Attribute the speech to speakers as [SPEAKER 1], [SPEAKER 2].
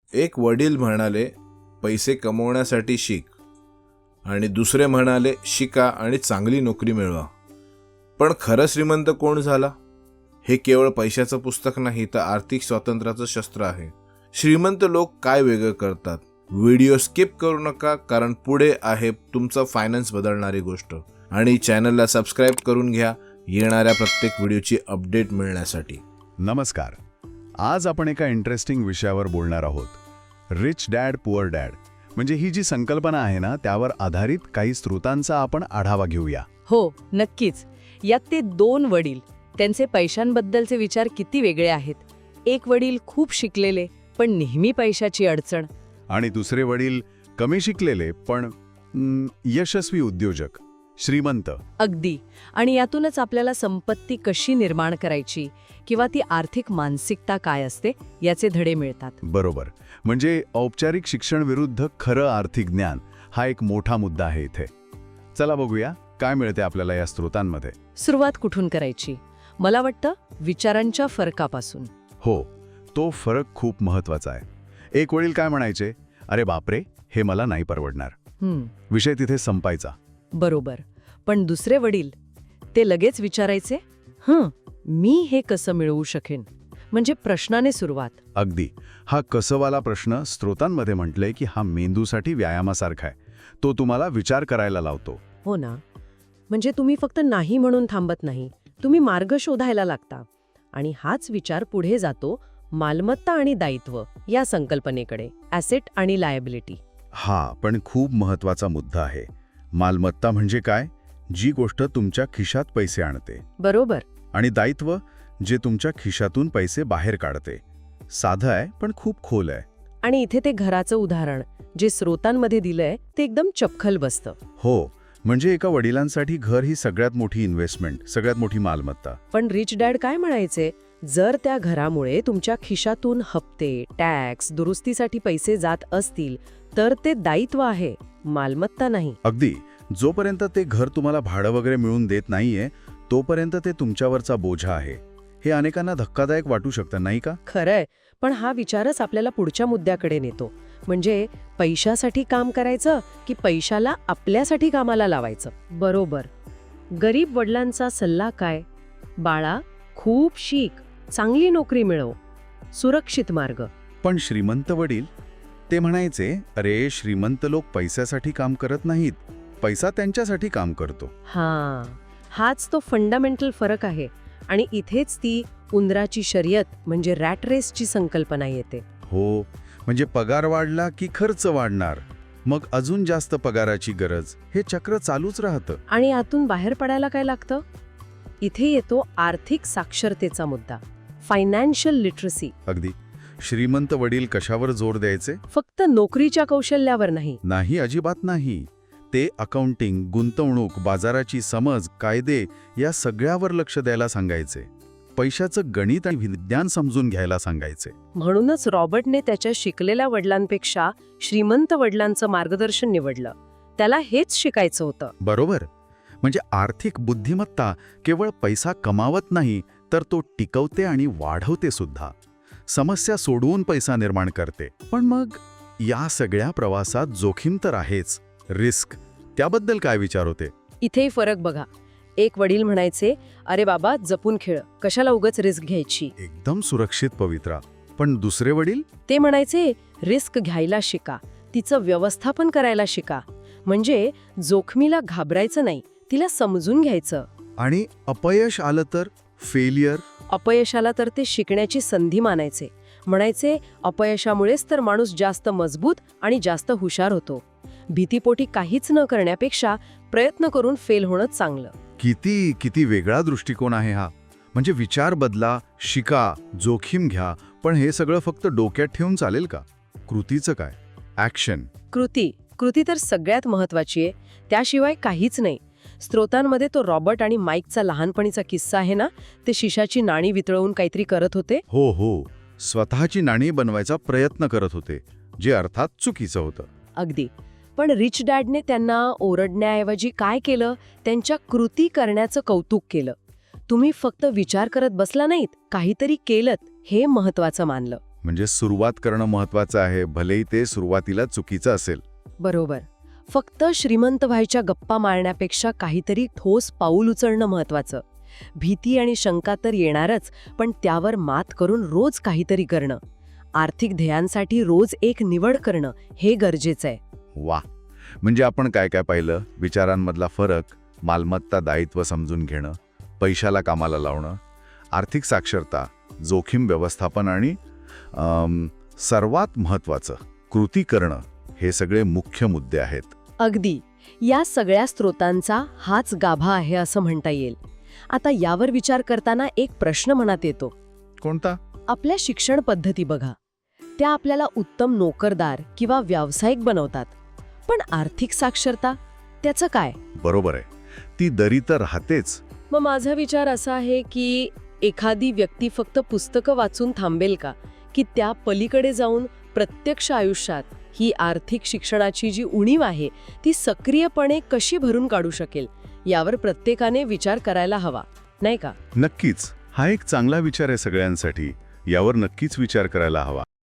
[SPEAKER 1] एक वडील म्हणाले, पैसे कमवण्यासाठी शिक, आणि दुसरे म्हणाले, शिका आणि चांगली नोकरी मिळवा. पण खरं श्रीमंत कोण झाला? हे केवळ पैशाचं पुस्तक नाही, तर आर्थिक स्वातंत्र्याचं शस्त्र आहे. श्रीमंत लोक काय वेगळं करतात? व्हिडिओ स्किप करू नका, कारण पुढे आहे तुमचं फायनान्स बदलणारी गोष्ट. आणि चॅनलला सबस्क्राईब करून घ्या येणाऱ्या प्रत्येक व्हिडिओची अपडेट मिळण्यासाठी.
[SPEAKER 2] नमस्कार. आज आपण एका इंटरेस्टिंग विषयावर बोलणार आहोत. रिच डॅड पुअर डॅड म्हणजे ही जी संकल्पना आहे ना, त्यावर आधारित काही स्रोतांचा आपण आढावा घेऊया.
[SPEAKER 3] हो, नक्कीच. यात ते दोन वडील, त्यांचे पैशांबद्दलचे विचार किती वेगळे आहेत. एक वडील खूप शिकलेले पण नेहमी पैशाची अडचण,
[SPEAKER 2] आणि दुसरे वडील कमी शिकलेले पण यशस्वी उद्योजक, श्रीमंत.
[SPEAKER 3] अगदी. आणि यातूनच आपल्याला संपत्ती कशी निर्माण करायची किंवा ती आर्थिक मानसिकता काय असते याचे धडे मिळतात.
[SPEAKER 2] बरोबर. म्हणजे औपचारिक शिक्षण विरुद्ध खरं आर्थिक ज्ञान हा एक मोठा मुद्दा आहे इथे. चला बघूया काय मिळते आपल्याला या स्रोतांमध्ये.
[SPEAKER 3] सुरुवात कुठून करायची? मला वाटतं विचारांच्या फरकापासून.
[SPEAKER 2] हो, तो फरक खूप महत्वाचा आहे. एक वडील काय म्हणायचे, अरे बापरे, हे मला नाही परवडणार. विषय तिथे संपायचा.
[SPEAKER 3] बरोबर. पण दुसरे वडील ते लगेच विचारायचे, मी हे कसं मिळवू शकेन? म्हणजे प्रश्नाने सुरुवात.
[SPEAKER 2] अगदी. हा कसंवाला प्रश्न स्रोतांमध्ये म्हटलंय की हा मेंदूसाठी व्यायामासारखा आहे. तो तुम्हाला विचार करायला लावतो.
[SPEAKER 3] हो ना. म्हणजे तुम्ही फक्त नाही म्हणून थांबत नाही, तुम्ही मार्ग शोधायला लागता. आणि हाच विचार पुढे जातो मालमत्ता आणि दायित्व या संकल्पनेकडे, ॲसेट आणि लायबिलिटी.
[SPEAKER 2] हा पण खूप महत्वाचा मुद्दा आहे. मालमत्ता म्हणजे काय? जी गोष्ट तुमच्या खिशात पैसे आणते.
[SPEAKER 3] बरोबर.
[SPEAKER 2] आणि दायित्व जे तुमच्या खिशातून पैसे बाहेर काढते. साधं आहे पण खूप खोल आहे.
[SPEAKER 3] आणि इथे ते घराचं उदाहरण जे स्रोतांमध्ये दिलंय ते एकदम चपखल बसतं.
[SPEAKER 2] हो, म्हणजे एका वडिलांसाठी घर ही सगळ्यात मोठी इन्व्हेस्टमेंट, सगळ्यात मोठी मालमत्ता.
[SPEAKER 3] पण रिच डॅड काय म्हणायचे, जर त्या घरामुळे तुमच्या खिशातून हप्ते, टॅक्स, दुरुस्तीसाठी पैसे जात असतील तर ते दायित्व आहे, मालमत्ता नाही.
[SPEAKER 2] अगदी. जोपर्यंत ते घर तुम्हाला भाडं वगैरे मिळून देत नाहीये तोपर्यंत ते तुमच्यावरचा बोझा आहे. हे अनेकांना धक्कादायक वाटू शकतं, नाही का?
[SPEAKER 3] खरंय. पण हा विचारच आपल्याला पुढच्या मुद्द्याकडे नेतो. म्हणजे पैशासाठी काम करायचं की पैशाला आपल्यासाठी कामाला लावायचं. बरोबर. गरीब वडिलांचा सल्ला काय? बाळा, खूप शिक, चांगली नोकरी मिळव, सुरक्षित मार्ग.
[SPEAKER 2] पण श्रीमंत वडील ते म्हणायचे, अरे श्रीमंत लोक पैशासाठी काम करत नाहीत, पैसा त्यांच्यासाठी काम करतो.
[SPEAKER 3] हाच तो फंडामेंटल फरक आहे. आणि इथेच ती उंदराची शर्यत म्हणजे रॅट रेसची संकल्पना येते.
[SPEAKER 2] हो, म्हणजे पगार वाढला की खर्च वाढणार, मग अजून जास्त पगाराची गरज, हे चक्र चालूच राहतं.
[SPEAKER 3] आणि आतून बाहेर पडायला काय लागतं? इथे येतो आर्थिक साक्षरतेचा मुद्दा, फायनान्शियल लिटरसी.
[SPEAKER 2] अगदी. श्रीमंत वडील कशावर जोर द्यायचे?
[SPEAKER 3] फक्त नोकरीच्या कौशल्यावर नाही.
[SPEAKER 2] नाही, अजिबात नाही. ते अकाउंटिंग, गुंतवणूक, बाजाराची समज, कायदे या सगळ्यावर लक्ष द्यायला सांगायचे. पैशाचं गणित आणि विज्ञान समजून घ्यायला सांगायचे.
[SPEAKER 3] म्हणूनच रॉबर्टने त्याच्या शिकलेल्या वडिलांपेक्षा श्रीमंत वडिलांचं मार्गदर्शन निवडलं. त्याला हेच शिकायचं होतं.
[SPEAKER 2] बरोबर. म्हणजे आर्थिक बुद्धिमत्ता केवळ पैसा कमावत नाही, तर तो टिकवते आणि वाढवते सुद्धा. समस्या सोडवून पैसा निर्माण करते. पण मग या सगळ्या प्रवासात जोखीम तर आहेच, रिस्क. त्याबद्दल काय विचार होते?
[SPEAKER 3] इथेही फरक बघा. एक वडील म्हणायचे, अरे बाबा, जपून खेळ, कशाला उगाच रिस्क घ्यायची.
[SPEAKER 2] एकदम सुरक्षित पवित्रा. पण दुसरे वडील
[SPEAKER 3] ते म्हणायचे, रिस्क घ्यायला शिका, तिचं व्यवस्थापन करायला शिका. म्हणजे जोखमीला घाबरायचं नाही, तिला समजून घ्यायचं.
[SPEAKER 2] आणि अपयश आलं तर? फेलियर.
[SPEAKER 3] अपयशाला तर ते शिकण्याची संधी मानायचे. म्हणायचे, अपयशामुळेच तर माणूस जास्त मजबूत आणि जास्त हुशार होतो. भीतीपोटी काहीच न करण्यापेक्षा प्रयत्न करून फेल होणं चांगलं.
[SPEAKER 2] किती किती वेगळा दृष्टिकोन आहे हा. म्हणजे विचार बदला, शिका, जोखीम घ्या, पण हे सगळं फक्त डोक्यात ठेवून चालेल का? कृतीचं काय? ॲक्शन.
[SPEAKER 3] कृती तर सगळ्यात महत्वाची आहे. त्याशिवाय काहीच नाही. स्रोतांमध्ये तो रॉबर्ट आणि माईकचा लहानपणीचा किस्सा आहे ना, ते शिशाची नाणी वितळवून काहीतरी करत होते.
[SPEAKER 2] हो, स्वतःची नाणी बनवायचा प्रयत्न करत होते, जे अर्थात चुकीचं होतं.
[SPEAKER 3] अगदी. पण रिच डॅडने त्यांना ओरडण्याऐवजी काय केलं, त्यांच्या कृती करण्याचं कौतुक केलं. तुम्ही फक्त विचार करत बसला नाहीत, काहीतरी केलत, हे महत्वाचं मानलं.
[SPEAKER 2] म्हणजे सुरुवात करणं महत्वाचं आहे, भलेही ते सुरुवातीला चुकीचं असेल.
[SPEAKER 3] बरोबर. फक्त श्रीमंत व्हायच्या गप्पा मारण्यापेक्षा काहीतरी ठोस पाऊल उचलणं महत्वाचं. भीती आणि शंका तर येणारच, पण त्यावर मात करून रोज काहीतरी करणं. आर्थिक ध्येयांसाठी रोज एक निवड करणं हे गरजेचं आहे.
[SPEAKER 2] वा, म्हणजे आपण काय काय पाहिलं? विचारांमधला फरक, मालमत्ता दायित्व समजून घेणं, पैशाला कामाला लावणं, आर्थिक साक्षरता, जोखीम व्यवस्थापन आणि सर्वात महत्त्वाचं कृती करणं, हे सगळे मुख्य मुद्दे आहेत.
[SPEAKER 3] अगदी. या सगळ्या स्रोतांचा हाच गाभा आहे असं म्हणता येईल. आता यावर विचार करताना एक प्रश्न मनात येतो.
[SPEAKER 2] कोणता?
[SPEAKER 3] आपल्या शिक्षण पद्धती बघा. त्या आपल्याला उत्तम नोकरदार किंवा व्यावसायिक बनवतात. पण आर्थिक साक्षरता, त्याचं काय?
[SPEAKER 2] बरोबर आहे, ती दरी तर राहतेच.
[SPEAKER 3] मग माझा विचार असा आहे की एखादी व्यक्ती फक्त पुस्तकं वाचून थांबेल का, की त्या पलीकडे जाऊन प्रत्यक्ष आयुष्यात ही आर्थिक शिक्षणाची जी उणीव आहे ती सक्रियपणे कशी भरून काढू शकेल, यावर प्रत्येकाने विचार करायला हवा, नाही का?
[SPEAKER 2] नक्कीच, हा एक चांगला विचार आहे सगळ्यांसाठी. यावर नक्कीच विचार करायला हवा.